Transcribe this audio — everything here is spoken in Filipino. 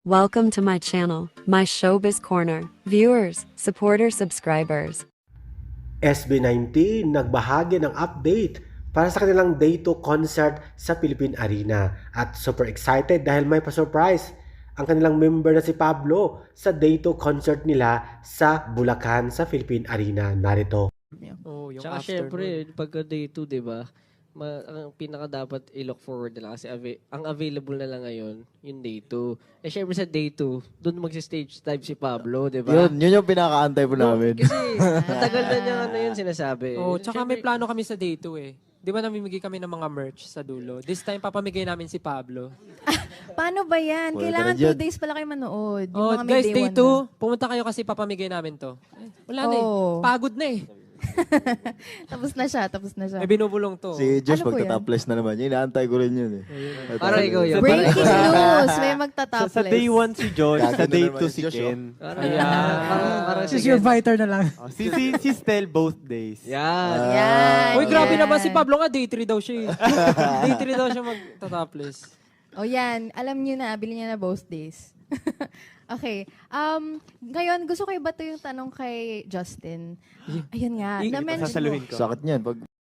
Welcome to my channel, my Showbiz Corner. Viewers, supporters, subscribers. SB19 nagbahagi ng update para sa kanilang Day 2 concert sa Philippine Arena at super excited dahil may pa-surprise ang kanilang member na si Pablo sa Day 2 concert nila sa Bulacan sa Philippine Arena. Narito. Oh, yung Tsaka after syempre, pagka day 2, di ba? Ang pinaka dapat i-look forward na lang kasi ang available na lang ngayon, yung day 2. Eh syempre sa day 2, doon magsi-stage dive si Pablo, di ba? Yun yung pinaka-antay po namin. Kasi matagal na niya ano yun sinasabi. Oh, tsaka may Syempre, plano kami sa day 2 eh. Di ba namimigay kami ng mga merch sa dulo? This time, papamigay namin si Pablo. Paano ba yan? Wala Kailangan ka na 2 days pala kayo manood. Yung Oh, mga may guys, day 2, one na. pumunta kayo kasi papamigay namin to. Wala na eh. Oh. Pagod na eh. Tapos na siya, tapos na siya. May binubulong to. Si Josh Ano po yan? magta-topless na naman. Yun, inaantay ko rin yun eh. Parang ikaw yun. Breaking news! May Sa magta-topless. day 1 si Josh, sa Gaganda day naman 2 si si Josh, Ken. Parang She's your fighter na lang. Oh, si Stel both days. Yan. Yan. Uy, grabe yan. naman si Pablo nga. Day 3 daw siya eh. Day 3 daw siya magta-topless. O yan, alam niyo na, bili niya na both days. Okay. Ngayon, gusto ko iba to yung tanong kay Justin. Ayun nga. Na-mention mo. Sasaluhin ko. Sakit niyan. Pag